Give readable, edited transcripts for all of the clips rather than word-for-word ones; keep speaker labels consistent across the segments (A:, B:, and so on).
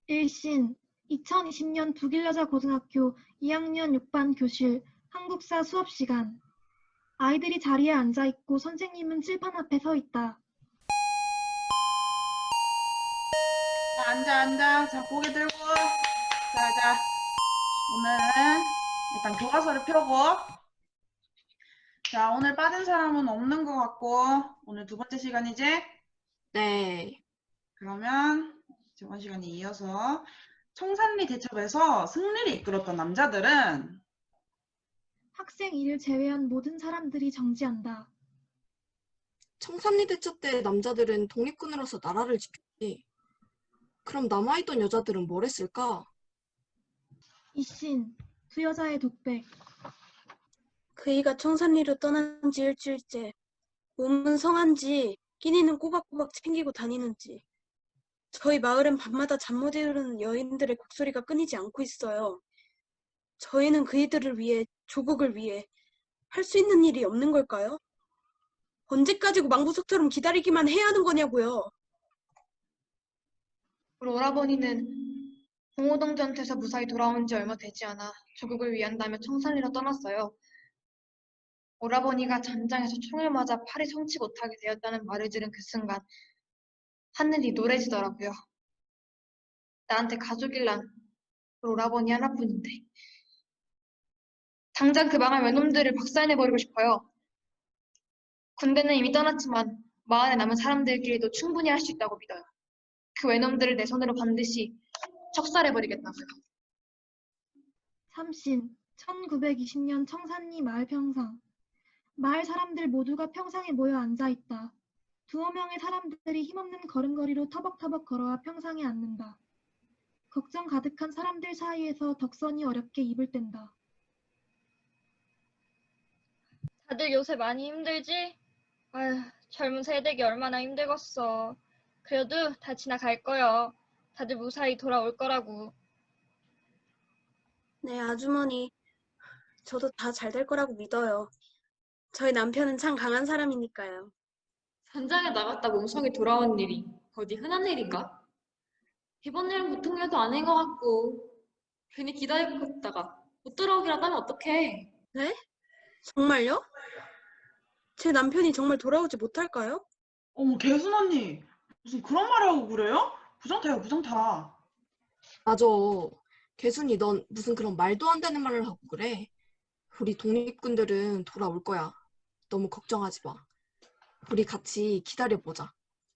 A: 일신 2020년 북일여자고등학교 2학년 6반 교실 한국사 수업시간. 아이들이 자리에 앉아있고 선생님은 칠판 앞에 서 있다.
B: 자, 앉아. 자, 고개 들고. 자. 오늘은 일단 교과서를 펴고. 자, 오늘 빠진 사람은 없는 것 같고, 오늘 두 번째 시간이지?
C: 네.
B: 그러면 저번 시간에 이어서 청산리 대첩에서 승리를 이끌었던 남자들은
A: 학생 I를 제외한 모든 사람들이 정지한다.
C: 청산리 대첩 때 남자들은 독립군으로서 나라를 지켰지. 그럼 남아있던 여자들은 뭘 했을까?
A: 이신 두 여자의 독백.
D: 그이가 청산리로 떠난 지 일주일째. 몸은 성한지 끼니는 꼬박꼬박 챙기고 다니는지. 저희 마을엔 밤마다 잠 못 이루는 여인들의 곡소리가 끊이지 않고 있어요. 저희는 그이들을 위해, 조국을 위해 할 수 있는 일이 없는 걸까요? 언제까지고 망부석처럼 기다리기만 해야 하는 거냐고요.
E: 우리 오라버니는 공호동전투에서 무사히 돌아온 지 얼마 되지 않아 조국을 위한다며 청산리로 떠났어요. 오라버니가 전장에서 총을 맞아 팔이 성치 못하게 되었다는 말을 들은 그 순간 하늘이 노래지더라고요. 나한테 가족일랑 우리 오라버니 하나뿐인데 당장 그 망할 외놈들을 박살내버리고 싶어요. 군대는 이미 떠났지만 마을에 남은 사람들끼리도 충분히 할 수 있다고 믿어요. 그 외놈들을 내 손으로 반드시 척살해버리겠다고요.
A: 삼신 1920년 청산리 마을 평상. 마을 사람들 모두가 평상에 모여 앉아있다. 두어 명의 사람들이 힘없는 걸음걸이로 터벅터벅 걸어와 평상에 앉는다. 걱정 가득한 사람들 사이에서 덕선이 어렵게 입을 뗀다.
F: 다들 요새 많이 힘들지? 아휴, 젊은 세대기 얼마나 힘들겠어. 그래도 다 지나갈 거요. 다들 무사히 돌아올 거라고.
D: 네, 아주머니. 저도 다 잘 될 거라고 믿어요. 저희 남편은 참 강한 사람이니까요.
G: 전장에 나갔다 몸속이 돌아온 일이 어디 흔한 일인가? 이번 일은 보통 일도 아닌 것 같고 괜히 기다리고 있다가 못 돌아오기라도 하면 어떡해.
D: 네? 정말요? 제 남편이 정말 돌아오지 못할까요?
B: 어머, 개순 언니. 무슨 그런 말을 하고 그래요? 부정타요, 부정타.
C: 맞아. 개순이 넌 무슨 그런 말도 안 되는 말을 하고 그래. 우리 독립군들은 돌아올 거야. 너무 걱정하지 마. 우리 같이 기다려보자.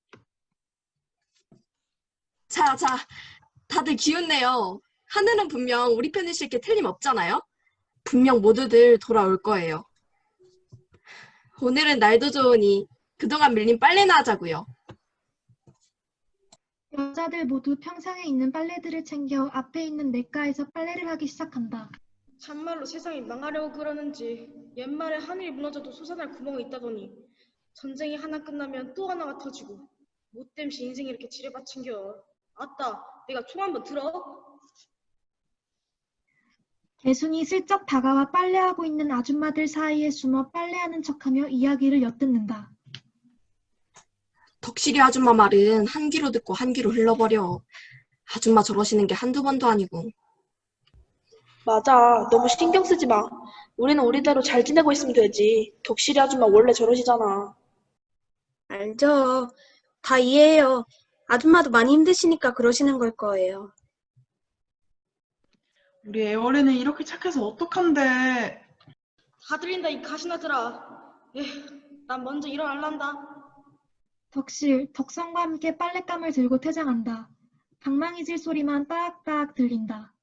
C: 자, 다들 기운내요. 하늘은 분명 우리 편이실 게 틀림없잖아요? 분명 모두들 돌아올 거예요. 오늘은 날도 좋으니 그동안 밀린 빨래나 하자고요.
A: 여자들 모두 평상에 있는 빨래들을 챙겨 앞에 있는 냇가에서 빨래를 하기 시작한다.
H: 참말로 세상이 망하려고 그러는지 옛말에 하늘이 무너져도 솟아날 구멍이 있다더니 전쟁이 하나 끝나면 또 하나가 터지고 못됨시 인생이 이렇게 지뢰받친겨. 아따, 내가 총 한번 들어?
A: 개순이 슬쩍 다가와 빨래하고 있는 아줌마들 사이에 숨어 빨래하는 척하며 이야기를 엿듣는다.
C: 덕실이 아줌마 말은 한 귀로 듣고 한 귀로 흘러버려. 아줌마 저러시는 게 한두 번도 아니고.
I: 맞아. 너무 신경 쓰지 마. 우리는 우리대로 잘 지내고 있으면 되지. 덕실이 아줌마 원래 저러시잖아.
D: 알죠. 다 이해해요. 아줌마도 많이 힘드시니까 그러시는 걸 거예요.
B: 우리 애월이는 이렇게 착해서 어떡한데.
H: 다 들린다 이 가시나들아. 난 먼저 일어날란다.
A: 덕실, 덕선과 함께 빨랫감을 들고 퇴장한다. 방망이질 소리만 따악따악 들린다.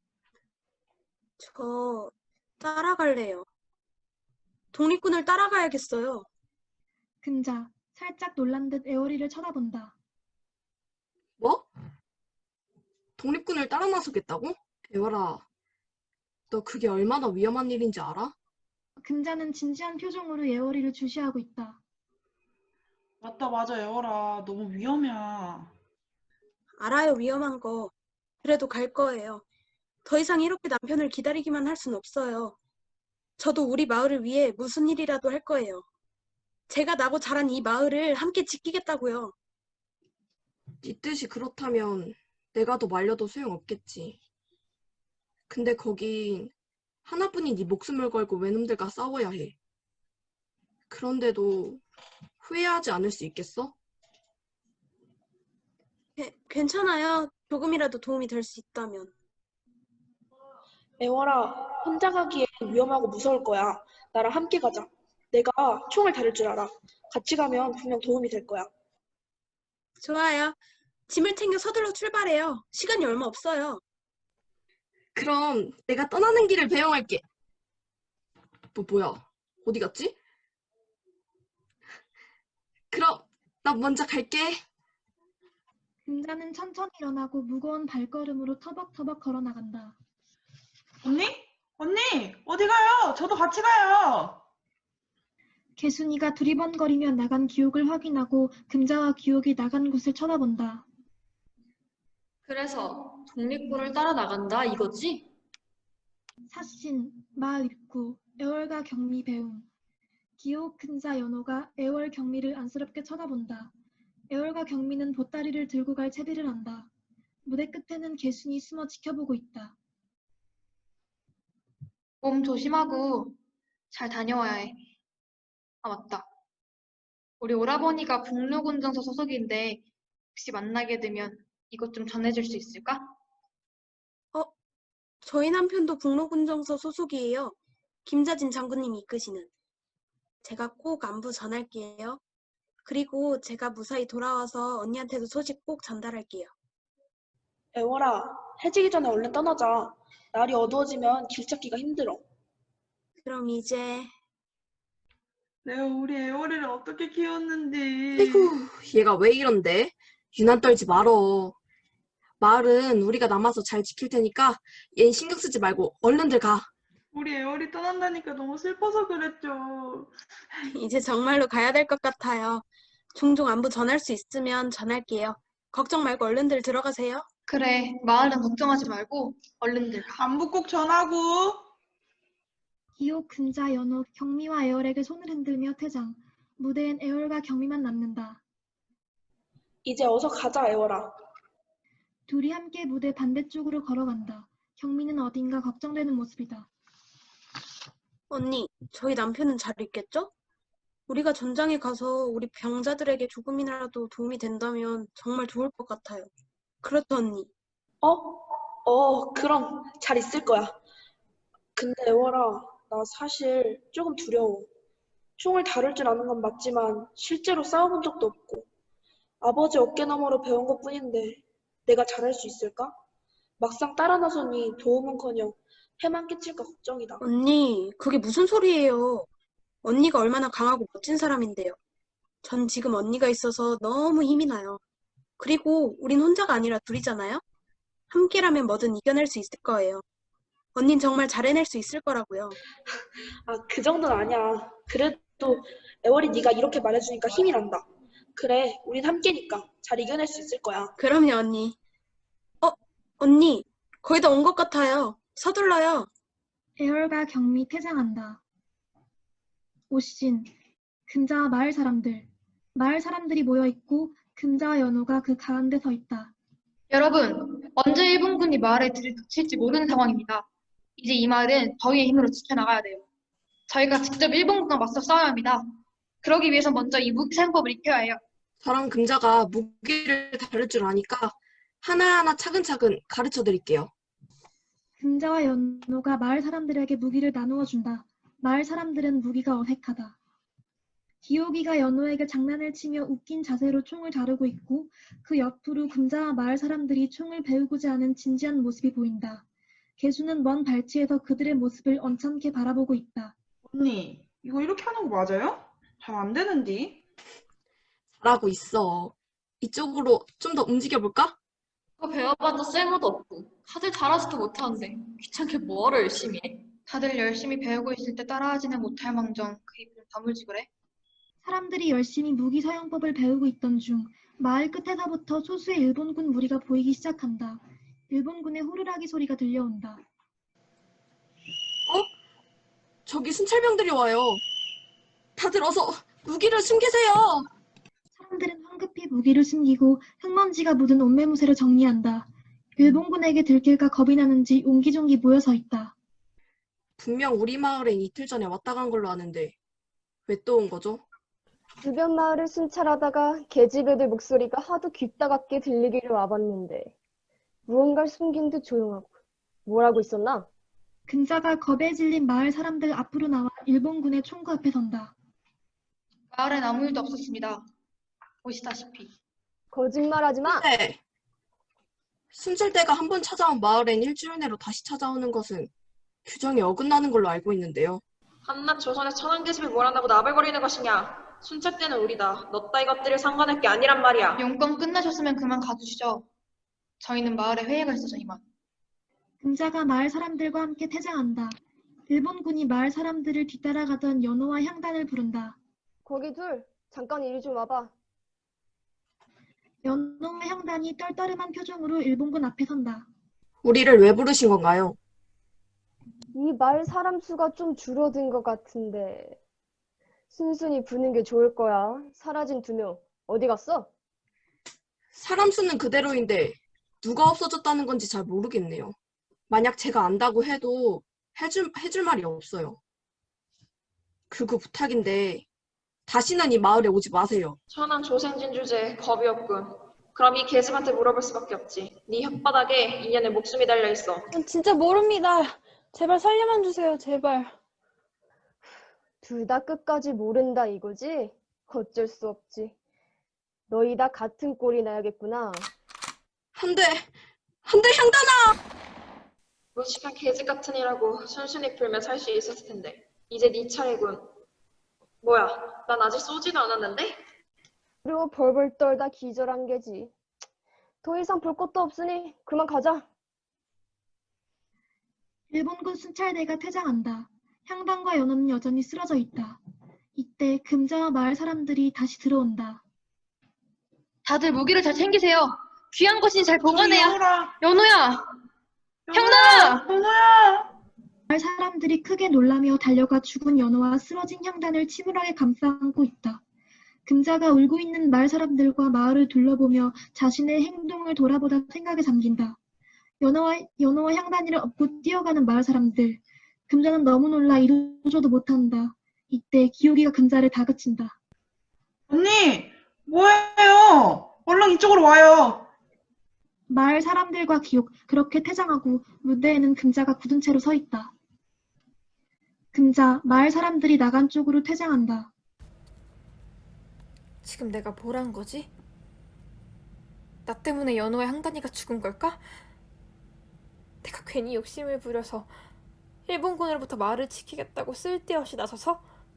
D: 저 따라갈래요. 독립군을 따라가야겠어요.
A: 금자, 살짝 놀란 듯 애월이를 쳐다본다.
C: 뭐? 독립군을 따라 나서겠다고? 애월아, 너 그게 얼마나 위험한 일인지 알아?
A: 금자는 진지한 표정으로 애월이를 주시하고 있다.
B: 맞아, 애월아. 너무 위험해.
D: 알아요, 위험한 거. 그래도 갈 거예요. 더 이상 이렇게 남편을 기다리기만 할 순 없어요. 저도 우리 마을을 위해 무슨 일이라도 할 거예요. 제가 나고 자란 이 마을을 함께 지키겠다고요.
C: 네 뜻이 그렇다면 내가 더 말려도 소용없겠지. 근데 거긴 하나뿐인 네 목숨을 걸고 외놈들과 싸워야 해. 그런데도 후회하지 않을 수 있겠어?
D: 괜찮아요. 조금이라도 도움이 될 수 있다면.
I: 애월아, 혼자 가기엔 위험하고 무서울 거야. 나랑 함께 가자. 내가 총을 다룰 줄 알아. 같이 가면 분명 도움이 될 거야.
D: 좋아요. 짐을 챙겨 서둘러 출발해요. 시간이 얼마 없어요.
C: 그럼 내가 떠나는 길을 배웅할게. 뭐야? 어디 갔지? 그럼 나 먼저 갈게.
A: 금자는 천천히 일어나고 무거운 발걸음으로 터벅터벅 걸어 나간다.
B: 언니? 언니! 어디 가요? 저도 같이 가요.
A: 개순이가 두리번거리며 나간 기옥을 확인하고 금자와 기옥이 나간 곳을 쳐다본다.
G: 그래서 독립군을 따라 나간다 이거지?
A: 사신, 마입구, 애월과 경미 배웅. 기옥, 금자, 연호가 애월, 경미를 안쓰럽게 쳐다본다. 애월과 경미는 보따리를 들고 갈 채비를 한다. 무대 끝에는 개순이 숨어 지켜보고 있다.
E: 몸 조심하고 잘 다녀와야 해. 아, 맞다. 우리 오라버니가 북로군정서 소속인데 혹시 만나게 되면 이것 좀 전해줄 수 있을까?
D: 저희 남편도 북로군정서 소속이에요. 김자진 장군님이 이끄시는. 제가 꼭 안부 전할게요. 그리고 제가 무사히 돌아와서 언니한테도 소식 꼭 전달할게요.
I: 애월아, 해지기 전에 얼른 떠나자. 날이 어두워지면 길 찾기가 힘들어.
D: 그럼 이제
B: 내가 우리 애월이를 어떻게 키웠는지.
C: 아이고, 얘가 왜 이런데? 유난 떨지 말어. 마을은 우리가 남아서 잘 지킬 테니까 얜 신경 쓰지 말고 얼른들 가.
B: 우리 애월이 떠난다니까 너무 슬퍼서 그랬죠.
D: 이제 정말로 가야 될 것 같아요. 종종 안부 전할 수 있으면 전할게요. 걱정 말고 얼른들 들어가세요.
E: 그래, 마을은 걱정하지 말고 얼른들 가.
B: 안부 꼭 전하고.
A: 기옥, 금자, 연호, 경미와 애월에게 손을 흔들며 퇴장. 무대엔 애월과 경미만 남는다.
I: 이제 어서 가자, 애월아.
A: 둘이 함께 무대 반대쪽으로 걸어간다. 경미는 어딘가 걱정되는 모습이다.
D: 언니, 저희 남편은 잘 있겠죠? 우리가 전장에 가서 우리 병자들에게 조금이라도 도움이 된다면 정말 좋을 것 같아요. 그렇죠, 언니?
I: 그럼 잘 있을 거야. 근데 애월아, 나 사실 조금 두려워. 총을 다룰 줄 아는 건 맞지만 실제로 싸워본 적도 없고 아버지 어깨너머로 배운 것뿐인데 내가 잘할 수 있을까? 막상 따라 나서니 도움은커녕 해만 끼칠까 걱정이다.
D: 언니, 그게 무슨 소리예요? 언니가 얼마나 강하고 멋진 사람인데요. 전 지금 언니가 있어서 너무 힘이 나요. 그리고 우린 혼자가 아니라 둘이잖아요? 함께라면 뭐든 이겨낼 수 있을 거예요. 언닌 정말 잘 해낼 수 있을 거라고요.
I: 그 정도는 아니야. 그래도 애월이 네가 이렇게 말해주니까 힘이 난다. 그래, 우린 함께니까 잘 이겨낼 수 있을 거야.
D: 그럼요, 언니. 언니, 거의 다 온 것 같아요. 서둘러요.
A: 애월과 경미 퇴장한다. 오신, 금자와 마을 사람들. 마을 사람들이 모여있고 금자와 연호가 그 가운데 서 있다.
E: 여러분, 언제 일본군이 마을에 들이닥칠지 모르는 상황입니다. 이제 이 마을은 저희의 힘으로 지켜나가야 돼요. 저희가 직접 일본군과 맞서 싸워야 합니다. 그러기 위해서 먼저 이 무기 사용법을 익혀야 해요.
C: 저랑 금자가 무기를 다룰 줄 아니까 하나하나 차근차근 가르쳐 드릴게요.
A: 금자와 연호가 마을 사람들에게 무기를 나누어 준다. 마을 사람들은 무기가 어색하다. 기옥이가 연호에게 장난을 치며 웃긴 자세로 총을 다루고 있고 그 옆으로 금자와 마을 사람들이 총을 배우고자 하는 진지한 모습이 보인다. 개수는 먼 발치에서 그들의 모습을 언짢게 바라보고 있다.
B: 언니, 이거 이렇게 하는 거 맞아요? 잘 안 되는디.
C: 잘하고 있어. 이쪽으로 좀 더 움직여볼까?
G: 그거 배워봤자 쓸모도 없고 다들 잘하지도 못하는데 귀찮게 뭐하러 열심히 해?
E: 다들 열심히 배우고 있을 때 따라하지는 못할 망정 그 입 좀 다물지 그래?
A: 사람들이 열심히 무기 사용법을 배우고 있던 중 마을 끝에서부터 소수의 일본군 무리가 보이기 시작한다. 일본군의 호루라기 소리가 들려온다.
C: 저기 순찰병들이 와요. 다들 어서 무기를 숨기세요.
A: 사람들은 황급히 무기를 숨기고 흙먼지가 묻은 옷매무새를 정리한다. 일본군에게 들킬까 겁이 나는지 옹기종기 모여서 있다.
C: 분명 우리 마을엔 이틀 전에 왔다 간 걸로 아는데 왜 또 온 거죠?
J: 주변 마을을 순찰하다가 계집애들 목소리가 하도 귓다갑게 들리기를 와봤는데 무언가를 숨긴 듯 조용하고 뭘 하고 있었나?
A: 금자가 겁에 질린 마을 사람들 앞으로 나와 일본군의 총구 앞에 선다.
E: 마을엔 아무 일도 없었습니다. 보시다시피.
J: 거짓말하지 마!
C: 네. 순찰대가 한 번 찾아온 마을엔 일주일 내로 다시 찾아오는 것은 규정에 어긋나는 걸로 알고 있는데요.
I: 한낱 조선의 천한 계집이 뭘 한다고 나발거리는 것이냐? 순찰대는 우리다. 너 따위 것들을 상관할 게 아니란 말이야.
E: 용건 끝나셨으면 그만 가주시죠. 저희는 마을에 회의가 있어서 이만.
A: 금자가 마을 사람들과 함께 퇴장한다. 일본군이 마을 사람들을 뒤따라가던 연호와 향단을 부른다.
J: 거기 둘, 잠깐 이리 좀 와봐.
A: 연호와 향단이 떨떠름한 표정으로 일본군 앞에 선다.
C: 우리를 왜 부르신 건가요?
J: 이 마을 사람 수가 좀 줄어든 것 같은데 순순히 부는 게 좋을 거야. 사라진 2명, 어디 갔어?
C: 사람 수는 그대로인데 누가 없어졌다는 건지 잘 모르겠네요. 만약 제가 안다고 해도 해줄 말이 없어요. 그거 부탁인데 다시는 이 마을에 오지 마세요.
I: 천한 조생진 주제에 겁이 없군. 그럼 이 계집한테 물어볼 수밖에 없지. 네 혓바닥에 인연의 목숨이 달려있어.
D: 진짜 모릅니다. 제발 살려만 주세요, 제발.
J: 둘 다 끝까지 모른다 이거지? 어쩔 수 없지. 너희 다 같은 꼴이 나야겠구나.
C: 안 돼, 향단아!
I: 무식한 계집 같은 이라고 순순히 풀면 살 수 있었을 텐데. 이제 네 차례군. 뭐야, 난 아직 쏘지도 않았는데?
J: 그리고 벌벌 떨다 기절한 게지. 더 이상 볼 것도 없으니 그만 가자.
A: 일본군 순찰대가 퇴장한다. 향단과 연호는 여전히 쓰러져 있다. 이때 금자와 마을 사람들이 다시 들어온다.
E: 다들 무기를 잘 챙기세요. 귀한 것이니 잘 보관해야.
B: 연호라.
E: 연호야! 향단아!
B: 연호야.
A: 마을 사람들이 크게 놀라며 달려가 죽은 연호와 쓰러진 향단을 침울하게 감싸 안고 있다. 금자가 울고 있는 마을 사람들과 마을을 둘러보며 자신의 행동을 돌아보다 생각에 잠긴다. 연호와 향단이를 업고 뛰어가는 마을 사람들. 금자는 너무 놀라 이루지도 못한다. 이때 기옥이가 금자를 다그친다.
B: 언니, 뭐해요? 얼른 이쪽으로 와요.
A: 마을 사람들과 기옥, 그렇게 퇴장하고 무대에는 금자가 굳은 채로 서 있다. 금자, 마을 사람들이 나간 쪽으로 퇴장한다.
K: 지금 내가 뭘 한 거지? 나 때문에 연호와 향단이가 죽은 걸까? 내가 괜히 욕심을 부려서 일본군으로부터 마을을 지키겠다고 쓸데없이 나서서?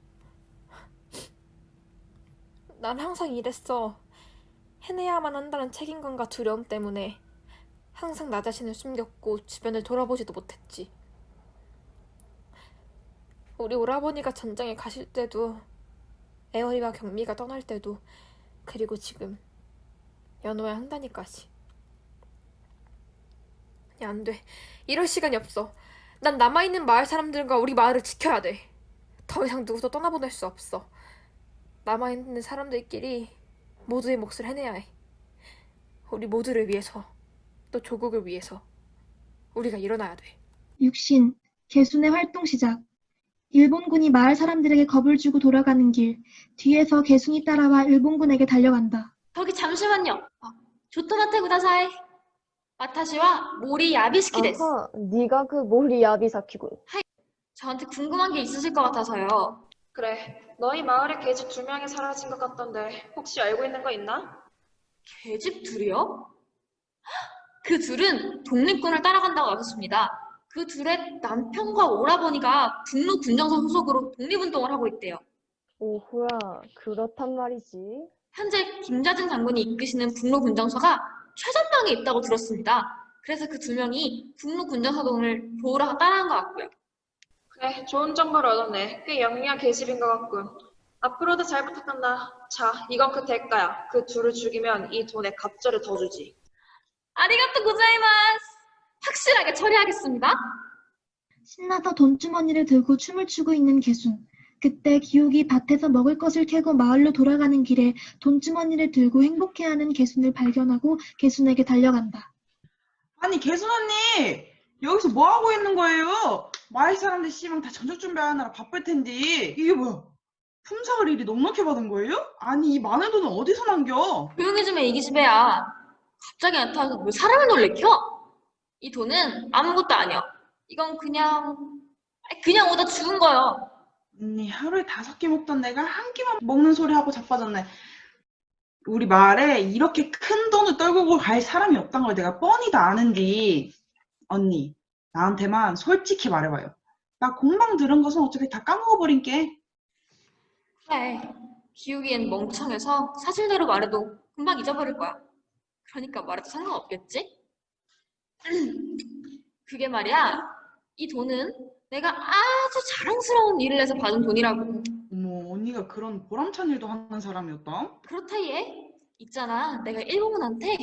K: 난 항상 이랬어. 해내야만 한다는 책임감과 두려움 때문에 항상 나 자신을 숨겼고 주변을 돌아보지도 못했지. 우리 오라버니가 전장에 가실 때도, 애월이와 경미가 떠날 때도, 그리고 지금 연호와 향단이까지. 야, 안 돼. 이럴 시간이 없어. 난 남아있는 마을 사람들과 우리 마을을 지켜야 돼. 더 이상 누구도 떠나보낼 수 없어. 남아있는 사람들끼리 모두의 몫을 해내야 해. 우리 모두를 위해서, 또 조국을 위해서 우리가 일어나야 돼.
A: 육신, 개순의 활동 시작. 일본군이 마을 사람들에게 겁을 주고 돌아가는 길, 뒤에서 개순이 따라와 일본군에게 달려간다.
G: 저기 잠시만요. 조토마테 구다사이. 와타시와 모리 야비스키 데스.
J: 아하, 네가 그 모리 야비사키군.
G: 저한테 궁금한 게 있으실 것 같아서요.
I: 그래, 너희 마을에 계집 2명이 사라진 것 같던데 혹시 알고 있는 거 있나?
G: 계집 둘이요? 그 둘은 독립군을 따라간다고 하셨습니다. 그 둘의 남편과 오라버니가 북로 군정선 소속으로 독립운동을 하고 있대요.
J: 오호야, 그렇단 말이지.
G: 현재 김자진 장군이 이끄시는 북로 군정서가 최전방에 있다고 들었습니다. 그래서 그 2명이 북로 군정서동을 보호하러 따라간 것 같고요.
I: 그래, 좋은 정보를 얻었네. 꽤 영리한 계집인 것 같군. 앞으로도 잘 부탁한다. 자, 이건 그 대가야. 그 둘을 죽이면 이 돈에 갑절을 더 주지.
G: 아리가또 고자이마스. 확실하게 처리하겠습니다.
A: 신나서 돈주머니를 들고 춤을 추고 있는 개순. 그때 기옥이 밭에서 먹을 것을 캐고 마을로 돌아가는 길에 돈주머니를 들고 행복해하는 개순을 발견하고 개순에게 달려간다.
B: 아니, 개순 언니! 여기서 뭐 하고 있는 거예요? 마을 사람들 씨발 다 저녁 준비하느라 바쁠 텐데. 이게 뭐야? 품삯을 일이 넉넉히 받은 거예요? 아니, 이 많은 돈은 어디서 남겨?
G: 조용히 좀 해, 이 기집애야. 갑자기 나타나서 뭘 사람을 놀래켜? 이 돈은 아무것도 아니야. 이건 그냥 오다 죽은 거야.
B: 언니, 하루에 5끼 먹던 내가 한 끼만 먹는 소리 하고 자빠졌네. 우리 마을에 이렇게 큰 돈을 떨구고 갈 사람이 없단 걸 내가 뻔히 다 아는디. 언니, 나한테만 솔직히 말해봐요. 나 공방 들은 것은 어차피 다 까먹어버린 게.
G: 그래. 기우기엔 멍청해서 사실대로 말해도 금방 잊어버릴 거야. 그러니까 말해도 상관없겠지? 그게 말이야. 이 돈은 내가 아주 자랑스러운 일을 해서 받은 돈이라고.
B: 어머, 언니가 그런 보람찬 일도 하는 사람이었다?
G: 그렇다 얘. 있잖아. 내가 일본군한테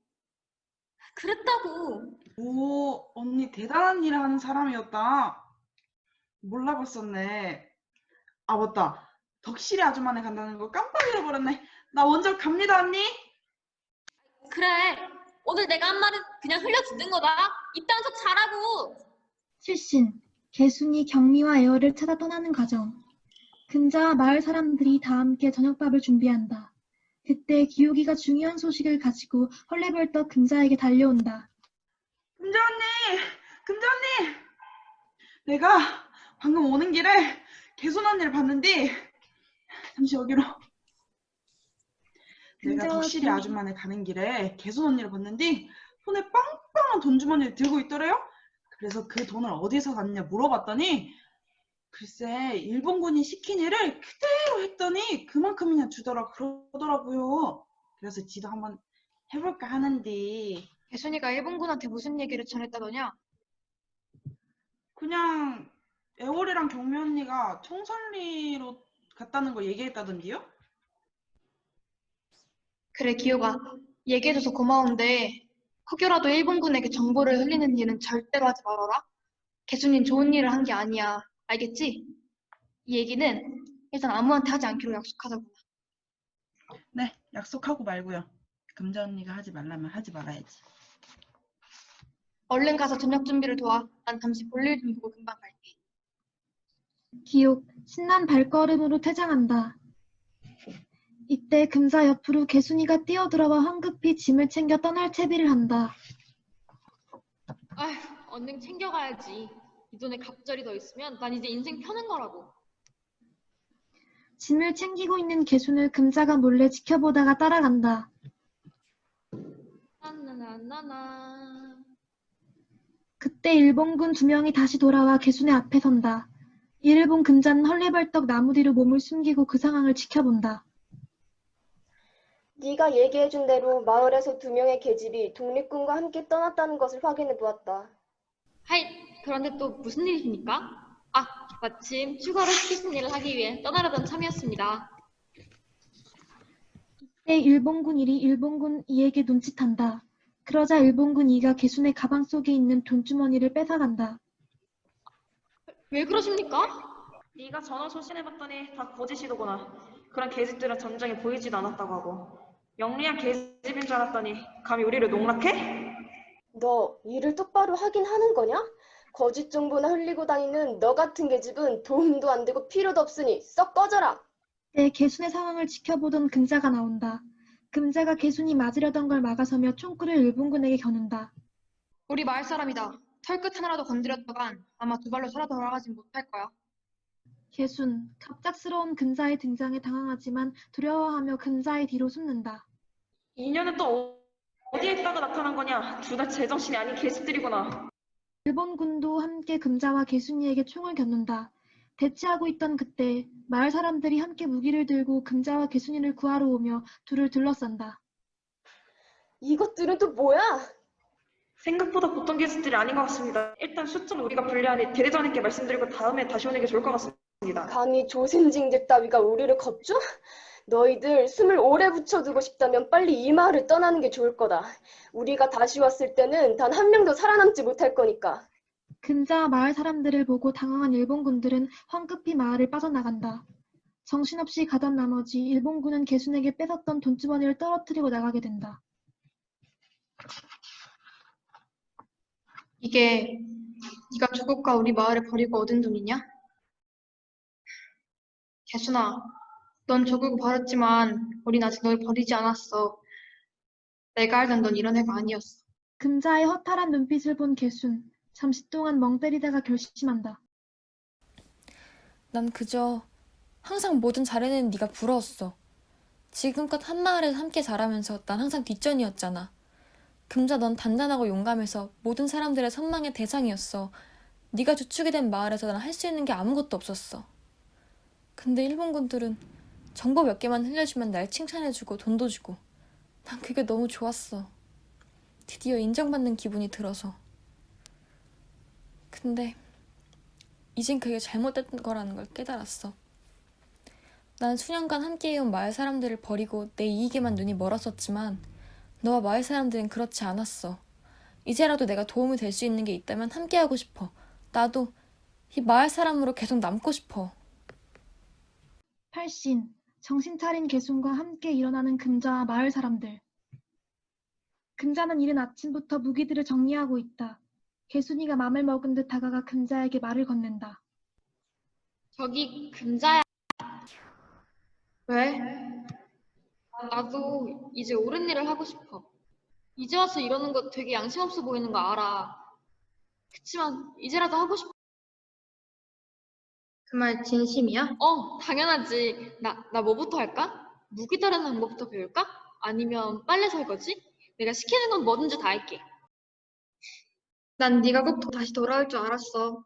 G: 그랬다고.
B: 오, 언니 대단한 일을 하는 사람이었다. 몰라봤었네. 아, 맞다. 덕실이 아줌마네 간다는 거 깜빡 잊어버렸네. 나 먼저 갑니다, 언니.
G: 그래. 오늘 내가 한 말은 그냥 흘려 듣는 거다. 이딴 척 잘하고.
A: 출신, 개순이 경미와 애월을 찾아 떠나는 과정. 금자와 마을 사람들이 다 함께 저녁밥을 준비한다. 그때 기욱이가 중요한 소식을 가지고 헐레벌떡 금자에게 달려온다.
B: 금자 언니! 금자 언니! 내가 방금 오는 길에 개순 언니를 봤는데 잠시 여기로. 내가
A: 금자와
B: 덕실이
A: 기욱이-
B: 아줌마네 가는 길에 개순 언니를 봤는데 손에 빵빵한 돈 주머니를 들고 있더래요. 그래서 그 돈을 어디서 갔냐 물어봤더니 글쎄 일본군이 시킨 일을 그대로 했더니 그만큼이나 주더라 그러더라고요. 그래서 지도 한번 해볼까 하는데
E: 개순이가 일본군한테 무슨 얘기를 전했다더냐?
B: 그냥 애월이랑 경미 언니가 청산리로 갔다는 거 얘기했다던데요?
E: 그래, 기호가. 얘기해줘서 고마운데 혹여라도 일본군에게 정보를 흘리는 일은 절대로 하지 말아라. 개순이는 좋은 일을 한 게 아니야. 알겠지? 이 얘기는 일단 아무한테 하지 않기로 약속하자고.
B: 네, 약속하고 말고요. 금자 언니가 하지 말라면 하지 말아야지.
E: 얼른 가서 저녁 준비를 도와. 난 잠시 볼일 좀 보고 금방 갈게.
A: 기욱, 신난 발걸음으로 퇴장한다. 이때 금자 옆으로 개순이가 뛰어들어와 황급히 짐을 챙겨 떠날 채비를 한다.
G: 아휴, 얼른 챙겨가야지. 이 돈에 갑절이 더 있으면 난 이제 인생 펴는 거라고.
A: 짐을 챙기고 있는 개순을 금자가 몰래 지켜보다가 따라간다.
G: 나나나나나.
A: 그때 일본군 2명이 다시 돌아와 개순의 앞에 선다. 이를 본 금자는 헐레벌떡 나무 뒤로 몸을 숨기고 그 상황을 지켜본다.
J: 네가 얘기해준 대로 마을에서 2명의 계집이 독립군과 함께 떠났다는 것을 확인해 보았다.
G: 하이, 그런데 또 무슨 일이십니까? 아, 마침 추가로 시키신 일을 하기 위해 떠나려던 참이었습니다.
A: 이때 일본군 1이 일본군 2에게 눈짓한다. 그러자 일본군 2가 개순의 가방 속에 있는 돈주머니를 뺏어간다.
G: 왜 그러십니까?
H: 네가 전화 소신해봤더니 다 거짓이더구나. 그런 계집들은 전쟁에 보이지도 않았다고 하고. 영리한 계집인 줄 알았더니 감히 우리를 농락해?
J: 너 일을 똑바로 하긴 하는 거냐? 거짓 정보나 흘리고 다니는 너 같은 계집은 도움도 안 되고 필요도 없으니 썩 꺼져라.
A: 그때 개순의 상황을 지켜보던 금자가 나온다. 금자가 개순이 맞으려던 걸 막아서며 총구를 일본군에게 겨눈다.
E: 우리 마을 사람이다. 털끝 하나라도 건드렸다간 아마 2발로 살아 돌아가진 못할 거야.
A: 개순, 갑작스러운 금자의 등장에 당황하지만 두려워하며 금자의 뒤로 숨는다.
H: 인연은 또 어디에 있다가 나타난 거냐? 둘 다 제정신이 아닌 계집들이구나.
A: 일본군도 함께 금자와 개순이에게 총을 겨눈다. 대치하고 있던 그때 마을 사람들이 함께 무기를 들고 금자와 개순이를 구하러 오며 둘을 둘러싼다.
J: 이것들은 또 뭐야?
H: 생각보다 보통 계집들이 아닌 것 같습니다. 일단 숫자는 우리가 불리하니 대대장님께 말씀드리고 다음에 다시 오는 게 좋을 것 같습니다.
J: 감히 조센징들 따위가 우리를 겁줘? 너희들 숨을 오래 붙여두고 싶다면 빨리 이 마을을 떠나는 게 좋을 거다. 우리가 다시 왔을 때는 단 한 명도 살아남지 못할 거니까.
A: 금자와 마을 사람들을 보고 당황한 일본군들은 황급히 마을을 빠져나간다. 정신없이 가던 나머지 일본군은 개순에게 뺏었던 돈주머니를 떨어뜨리고 나가게 된다.
E: 이게 네가 조국과 우리 마을을 버리고 얻은 돈이냐? 개순아, 넌 조국을 버렸지만 우린 아직 널 버리지 않았어. 내가 알던 넌 이런 애가 아니었어.
A: 금자의 허탈한 눈빛을 본 개순. 잠시 동안 멍 때리다가 결심한다.
L: 난 그저 항상 뭐든 잘해내는 네가 부러웠어. 지금껏 한마을에서 함께 자라면서 난 항상 뒷전이었잖아. 금자 넌 단단하고 용감해서 모든 사람들의 선망의 대상이었어. 네가 주축이 된 마을에서 난 할 수 있는 게 아무것도 없었어. 근데 일본군들은 정보 몇 개만 흘려주면 날 칭찬해주고 돈도 주고 난 그게 너무 좋았어. 드디어 인정받는 기분이 들어서. 근데 이젠 그게 잘못된 거라는 걸 깨달았어. 난 수년간 함께해온 마을 사람들을 버리고 내 이익에만 눈이 멀었었지만 너와 마을 사람들은 그렇지 않았어. 이제라도 내가 도움이 될 수 있는 게 있다면 함께하고 싶어. 나도 이 마을 사람으로 계속 남고 싶어.
A: 팔신, 정신 차린 개순과 함께 일어나는 금자와 마을 사람들. 금자는 이른 아침부터 무기들을 정리하고 있다. 개순이가 맘을 먹은 듯 다가가 금자에게 말을 건넨다.
G: 저기 금자야.
E: 왜?
G: 나도 이제 옳은 일을 하고 싶어. 이제 와서 이러는 거 되게 양심 없어 보이는 거 알아. 그치만 이제라도 하고 싶어.
E: 그 말 진심이야?
G: 당연하지. 나 뭐부터 할까? 무기 다루는 방법부터 배울까? 아니면 빨래 설거지? 내가 시키는 건 뭐든지 다 할게.
E: 난 네가 꼭 다시 돌아올 줄 알았어.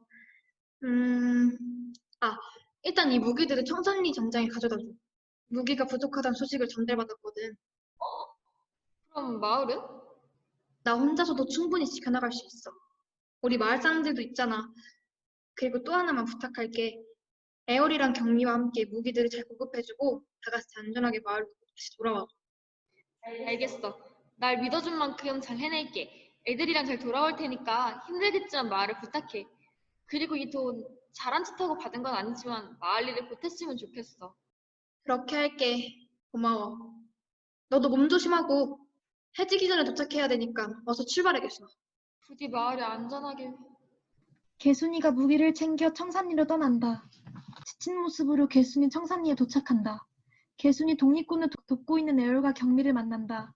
E: 일단 이 무기들을 청산리 전장에 가져다 줘. 무기가 부족하다는 소식을 전달받았거든.
G: 그럼 마을은?
E: 나 혼자서도 충분히 지켜나갈 수 있어. 우리 마을 사람들도 있잖아. 그리고 또 하나만 부탁할게. 에어리랑 경미와 함께 무기들을 잘 보급해주고 다 같이 안전하게 마을로 다시 돌아와.
G: 알겠어. 날 믿어준 만큼 잘 해낼게. 애들이랑 잘 돌아올 테니까 힘들겠지만 마을을 부탁해. 그리고 이 돈 잘한 척하고 받은 건 아니지만 마을 일을 보탰으면 좋겠어.
E: 그렇게 할게. 고마워. 너도 몸 조심하고 해지기 전에 도착해야 되니까 어서 출발해야겠어.
G: 부디 마을이 안전하게.
A: 개순이가 무기를 챙겨 청산리로 떠난다. 지친 모습으로 개순이 청산리에 도착한다. 개순이 독립군을 돕고 있는 애월과 경미를 만난다.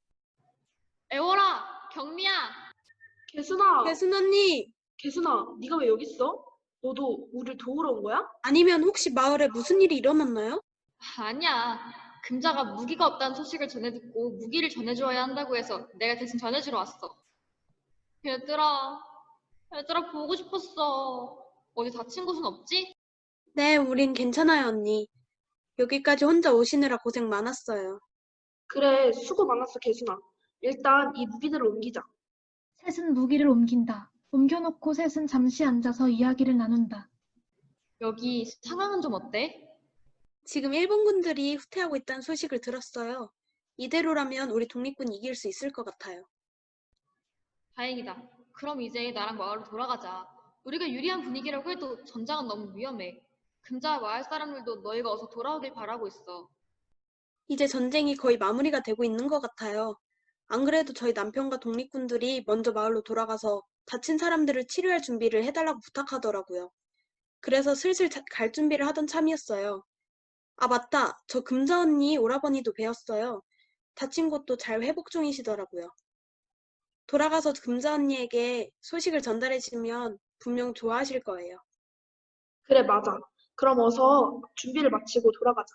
G: 애월아, 경미야.
I: 개순아,
D: 개순 언니,
I: 개순아, 네가 왜 여기 있어? 너도 우리를 도우러 온 거야?
D: 아니면 혹시 마을에 무슨 일이 일어났나요?
G: 아니야. 금자가 무기가 없다는 소식을 전해 듣고 무기를 전해줘야 한다고 해서 내가 대신 전해주러 왔어. 얘들아 보고 싶었어. 어디 다친 곳은 없지?
D: 네, 우린 괜찮아요, 언니. 여기까지 혼자 오시느라 고생 많았어요.
I: 그래, 수고 많았어, 개순아. 일단 이 무기들을 옮기자.
A: 셋은 무기를 옮긴다. 옮겨놓고 셋은 잠시 앉아서 이야기를 나눈다.
G: 여기 상황은 좀 어때?
D: 지금 일본군들이 후퇴하고 있다는 소식을 들었어요. 이대로라면 우리 독립군 이길 수 있을 것 같아요.
G: 다행이다. 그럼 이제 나랑 마을로 돌아가자. 우리가 유리한 분위기라고 해도 전장은 너무 위험해. 금자와 마을 사람들도 너희가 어서 돌아오길 바라고 있어.
D: 이제 전쟁이 거의 마무리가 되고 있는 것 같아요. 안 그래도 저희 남편과 독립군들이 먼저 마을로 돌아가서 다친 사람들을 치료할 준비를 해달라고 부탁하더라고요. 그래서 슬슬 갈 준비를 하던 참이었어요. 아, 맞다. 저 금자 언니 오라버니도 뵈었어요. 다친 곳도 잘 회복 중이시더라고요. 돌아가서 금자 언니에게 소식을 전달해주면 분명 좋아하실 거예요.
I: 그래, 맞아. 그럼 어서 준비를 마치고 돌아가자.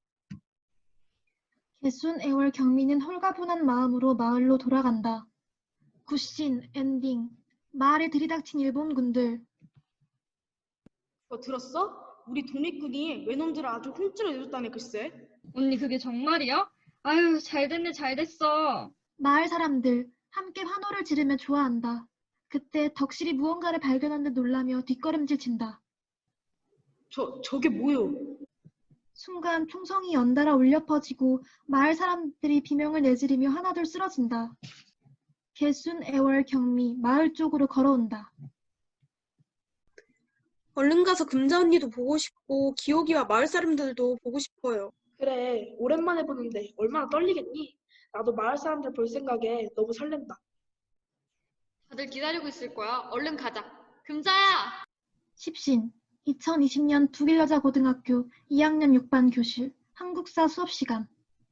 A: 개순, 애월, 경미는 홀가분한 마음으로 마을로 돌아간다. 굿신, 엔딩. 마을에 들이닥친 일본군들.
H: 들었어? 우리 독립군이 외놈들을 아주 홈찌러 내줬다네 글쎄.
F: 언니 그게 정말이야? 아유 잘 됐네 잘 됐어.
A: 마을 사람들 함께 환호를 지르며 좋아한다. 그때 덕실이 무언가를 발견한 듯 놀라며 뒷걸음질 친다.
H: 저게 뭐요?
A: 순간 총성이 연달아 울려 퍼지고 마을 사람들이 비명을 내지르며 하나둘 쓰러진다. 개순, 애월, 경미 마을 쪽으로 걸어온다.
D: 얼른 가서 금자 언니도 보고 싶고 기옥이와 마을 사람들도 보고 싶어요.
I: 그래, 오랜만에 보는데 얼마나 떨리겠니? 나도 마을 사람들 볼 생각에 너무 설렌다.
G: 다들 기다리고 있을 거야. 얼른 가자. 금자야!
A: 십신 2020년 북일여자고등학교 2학년 6반 교실 한국사 수업 시간.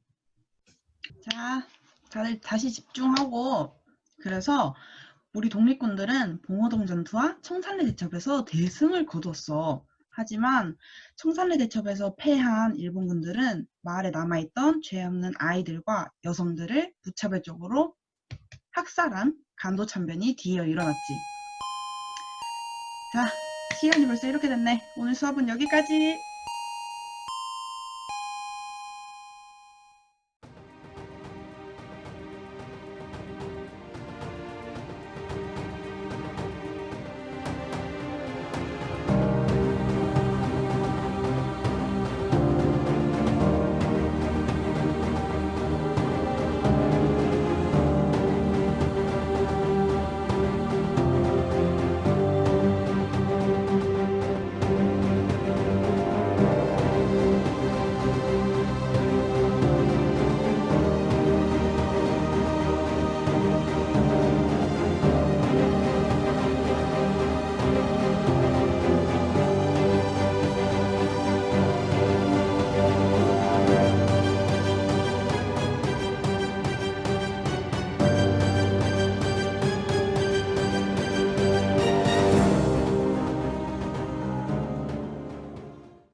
B: 자, 다들 다시 집중하고. 그래서 우리 독립군들은 봉오동 전투와 청산리 대첩에서 대승을 거뒀어. 하지만 청산리 대첩에서 패한 일본군들은 마을에 남아있던 죄 없는 아이들과 여성들을 무차별적으로 학살한 간도참변이 뒤이어 일어났지. 자, 시간이 벌써 이렇게 됐네. 오늘 수업은 여기까지.